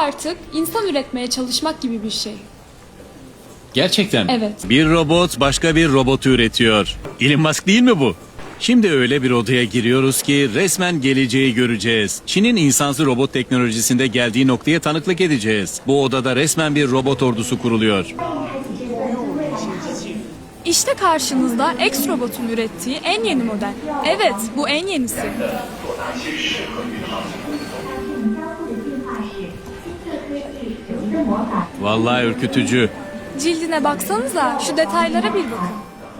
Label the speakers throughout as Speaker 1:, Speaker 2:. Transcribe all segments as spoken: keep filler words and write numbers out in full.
Speaker 1: artık insan üretmeye çalışmak gibi bir şey.
Speaker 2: Gerçekten mi?
Speaker 1: Evet.
Speaker 2: Bir robot başka bir robotu üretiyor. Elon Musk değil mi bu? Şimdi öyle bir odaya giriyoruz ki resmen geleceği göreceğiz. Çin'in insansız robot teknolojisinde geldiği noktaya tanıklık edeceğiz. Bu odada resmen bir robot ordusu kuruluyor.
Speaker 1: İşte karşınızda X-Robot'un ürettiği en yeni model. Evet, bu en yenisi.
Speaker 2: Vallahi ürkütücü.
Speaker 1: Cildine baksanıza, şu detaylara bir bakın.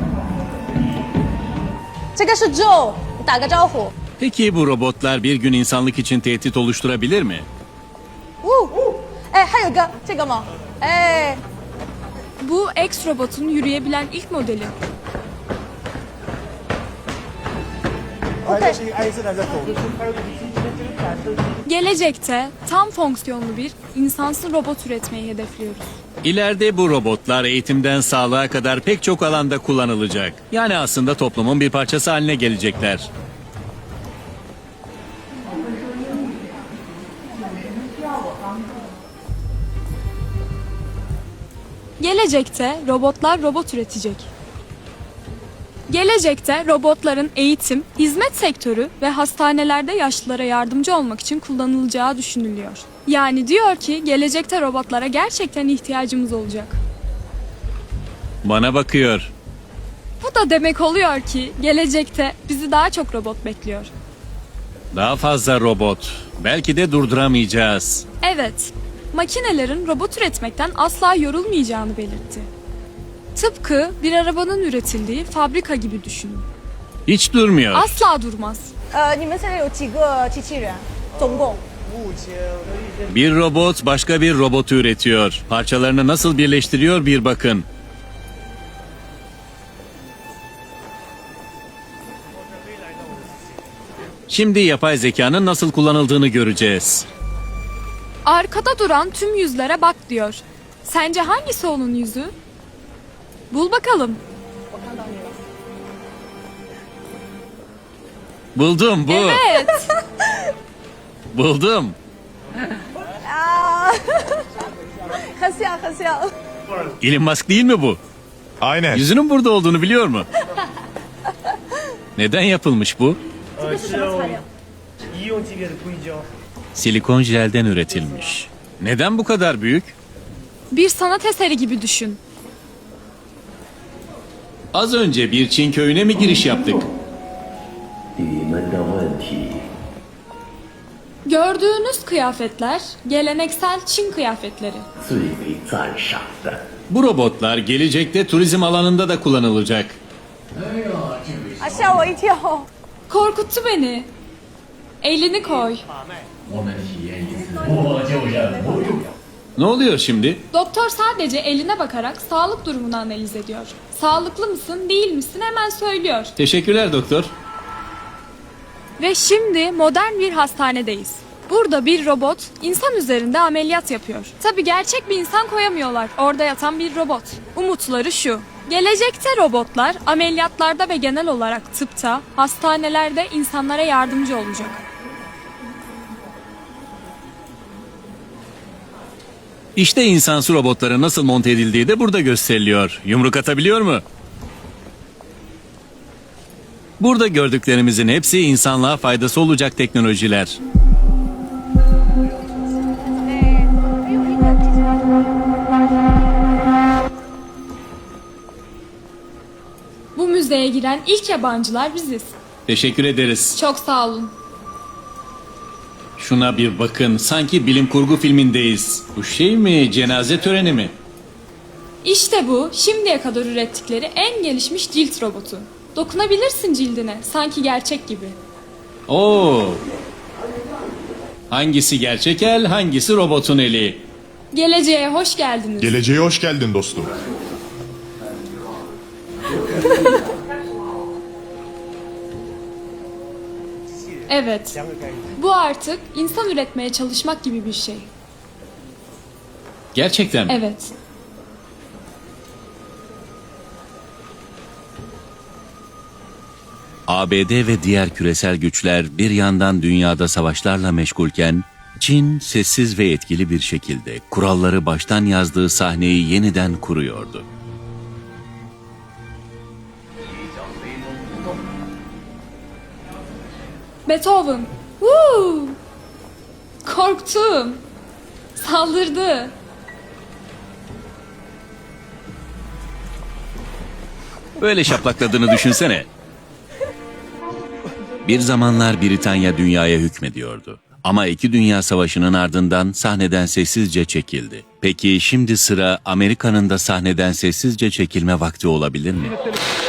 Speaker 3: 这个是 Joe， 你打个招呼。
Speaker 2: Peki bu robotlar bir gün insanlık için tehdit oluşturabilir mi?
Speaker 3: 呜，哎，还有个这个吗？哎，
Speaker 1: Bu X-Robot'un yürüyebilen ilk modeli.
Speaker 4: 哎，这是一个爱因斯坦在走路，还有个机器人这个感受。
Speaker 1: Gelecekte tam fonksiyonlu bir insansız robot üretmeyi hedefliyoruz.
Speaker 2: İleride bu robotlar eğitimden sağlığa kadar pek çok alanda kullanılacak. Yani aslında toplumun bir parçası haline gelecekler.
Speaker 1: Gelecekte robotlar robot üretecek. Gelecekte robotların eğitim, hizmet sektörü ve hastanelerde yaşlılara yardımcı olmak için kullanılacağı düşünülüyor. Yani diyor ki gelecekte robotlara gerçekten ihtiyacımız olacak.
Speaker 2: Bana bakıyor.
Speaker 1: Bu da demek oluyor ki gelecekte bizi daha çok robot bekliyor.
Speaker 2: Daha fazla robot. Belki de durduramayacağız.
Speaker 1: Evet, makinelerin robot üretmekten asla yorulmayacağını belirtti. Tıpkı bir arabanın üretildiği fabrika gibi düşünün.
Speaker 2: Hiç durmuyor.
Speaker 1: Asla durmaz.
Speaker 3: 呃，你们现在有几个机器人？总共？
Speaker 4: 目前
Speaker 2: Bir robot başka bir robotu üretiyor. Parçalarını nasıl birleştiriyor bir bakın. Şimdi yapay zekanın nasıl kullanıldığını göreceğiz.
Speaker 1: Arkada duran tüm yüzlere bak diyor. Sence hangisi onun yüzü? Bul bakalım.
Speaker 2: Buldum bu.
Speaker 1: Evet.
Speaker 2: Buldum.
Speaker 3: 啊，很像很像。
Speaker 2: Elon Musk değil mi bu?
Speaker 5: Aynen.
Speaker 2: Yüzünün burada olduğunu biliyor mu? Neden yapılmış bu?
Speaker 4: 呃是用医用级别的硅胶。
Speaker 2: Silikon jelden üretilmiş. Neden bu kadar büyük?
Speaker 1: Bir sanat eseri gibi düşün.
Speaker 2: Az önce bir Çin köyüne mi giriş yaptık?
Speaker 6: 你们的问题
Speaker 1: Gördüğünüz kıyafetler geleneksel Çin kıyafetleri.
Speaker 6: 最为赞赏的。
Speaker 2: Bu robotlar gelecekte turizm alanında da kullanılacak.
Speaker 3: 啊，吓我一跳！
Speaker 1: Korkuttu beni. Elini koy.
Speaker 6: 我们体验一次我就忍不住。
Speaker 2: Ne oluyor şimdi?
Speaker 1: Doktor sadece eline bakarak sağlık durumunu analiz ediyor. Sağlıklı mısın, değil misin hemen söylüyor.
Speaker 2: Teşekkürler doktor.
Speaker 1: Ve şimdi modern bir hastanedeyiz. Burada bir robot insan üzerinde ameliyat yapıyor. Tabii gerçek bir insan koyamıyorlar. Orada yatan bir robot. Umutları şu. Gelecekte robotlar ameliyatlarda ve genel olarak tıpta, hastanelerde insanlara yardımcı olacak.
Speaker 2: İşte insansı robotların nasıl monte edildiği de burada gösteriliyor. Yumruk atabiliyor mu? Burada gördüklerimizin hepsi insanlığa faydası olacak teknolojiler.
Speaker 1: Bu müzeye giren ilk yabancılar biziz.
Speaker 2: Teşekkür ederiz.
Speaker 1: Çok sağ olun.
Speaker 2: Şuna bir bakın. Sanki bilim kurgu filmindeyiz. Bu şey mi? Cenaze töreni mi?
Speaker 1: İşte bu şimdiye kadar ürettikleri en gelişmiş cilt robotu. Dokunabilirsin cildine sanki gerçek gibi.
Speaker 2: Oo. Hangisi gerçek el, hangisi robotun eli?
Speaker 1: Geleceğe hoş geldiniz.
Speaker 5: Geleceğe hoş geldin dostum.
Speaker 1: Evet. Bu artık insan üretmeye çalışmak gibi bir şey.
Speaker 2: Gerçekten mi?
Speaker 1: Evet.
Speaker 2: A B D ve diğer küresel güçler bir yandan dünyada savaşlarla meşgulken Çin sessiz ve etkili bir şekilde kuralları baştan yazdığı sahneyi yeniden kuruyordu.
Speaker 1: Beethoven. Woo! Korktum. Saldırdı.
Speaker 2: Böyle şaplakladığını düşünsene. Bir zamanlar Britanya dünyaya hükmediyordu. Ama iki Dünya Savaşı'nın ardından sahneden sessizce çekildi. Peki şimdi sıra Amerika'nın da sahneden sessizce çekilme vakti olabilir mi?